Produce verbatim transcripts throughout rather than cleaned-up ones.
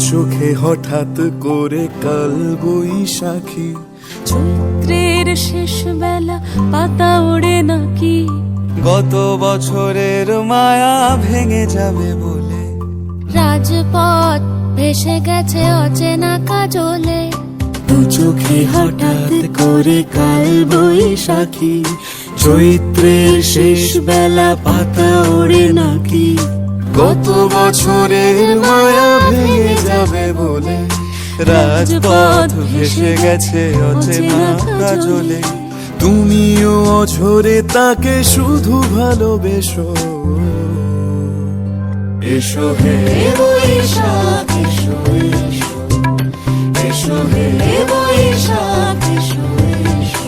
চোখে হঠাৎ করে কাল বৈশাখী, চৈত্রের শেষ বেলা পাতা ওড়ে নাকি, গত বছরের মায়া ভেঙে যাবে বলে, রাজপথ ভেসে গেছে অচেনা কাজলে, দু চোখে হঠাৎ করে কাল বৈশাখী, চৈত্রের শেষ বেলা পাতা ওড়ে নাকি, গত বছরের মায়া ভেঙে যাবে বলে, রাজপথ ভেসে গেছে অচেনা কাজলে। তুমিও অঝরে তাকে শুধু ভালোবেসো। এসো হে বৈশাখ এসো, এসো এসো হে বৈশাখ এসো, এসো।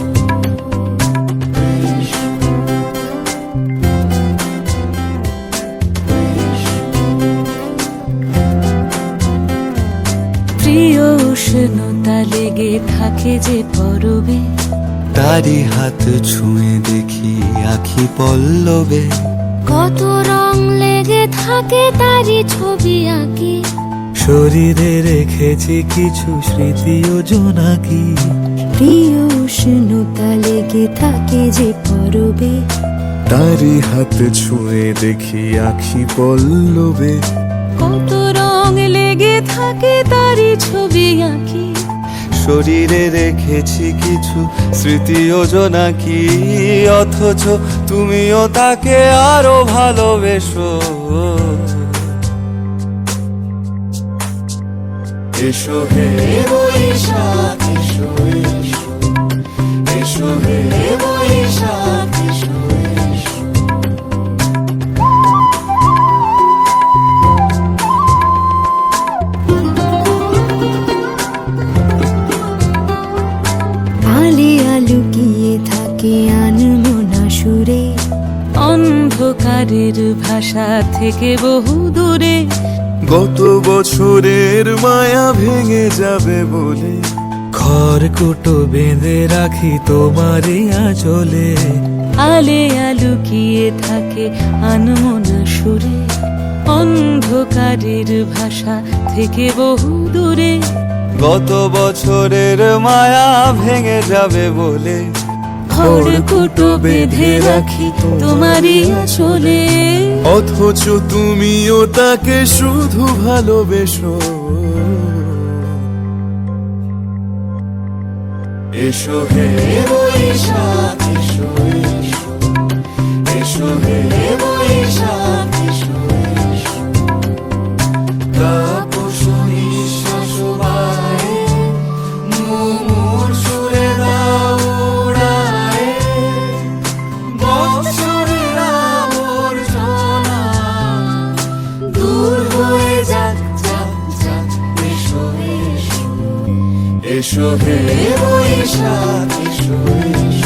প্রিয় উষ্ণতা লেগে থাকে যে পরবে, তারি হাত ছুঁয়ে দেখি আখি পল্লবে, কত রং লেগে থাকে তারই ছবি আঁকি, শরীরে রেখেছি কিছু স্মৃতি ও জোনাকি, প্রিয় উষ্ণতা লেগে থাকে যে পরবে, তারি হাত ছুঁয়ে দেখি আখি পল্লবে, কত রং লেগে থাকে তারই ছবি আঁকি, শরীরে রেখেছি কিছু স্মৃতি ও জোনাকি, অথচ তুমিও তাকে আরো ভালোবেসো। এসো হে বৈশাখ এসো, এসো এসো হে বৈশাখ এসো, এসো। আলিয়া লুকিয়ে থাকে আনমনা সুরে, অন্ধকারের ভাষা থেকে বহু দূরে, গত বছরের মায়া ভেঙে যাবে বলে, খড়কুটো বেঁধে রাখি তোমারই আঁচলে, আলিয়া লুকিয়ে থাকে আনমনা সুরে, অন্ধকারের ভাষা থেকে বহু দূরে, গত বছরের মায়া ভেঙে যাবে বলে, খড়কুটো বেঁধে রাখি তোমারই আঁচলে, অথচ তুমিও তাকে শুধু ভালোবেসো। এসো হে বৈশাখ এসো, এসো এসো হে বৈশাখ এসো, এসো। তাপস নিঃশ্বাস বায়ে, মুমুর সুরে দাও উড়ায়ে, বৎসরের আবর্জনা দূর হয়ে যাক, যাক, যাক। এসো, এসো, এসো হে বৈশাখ এসো, এসো।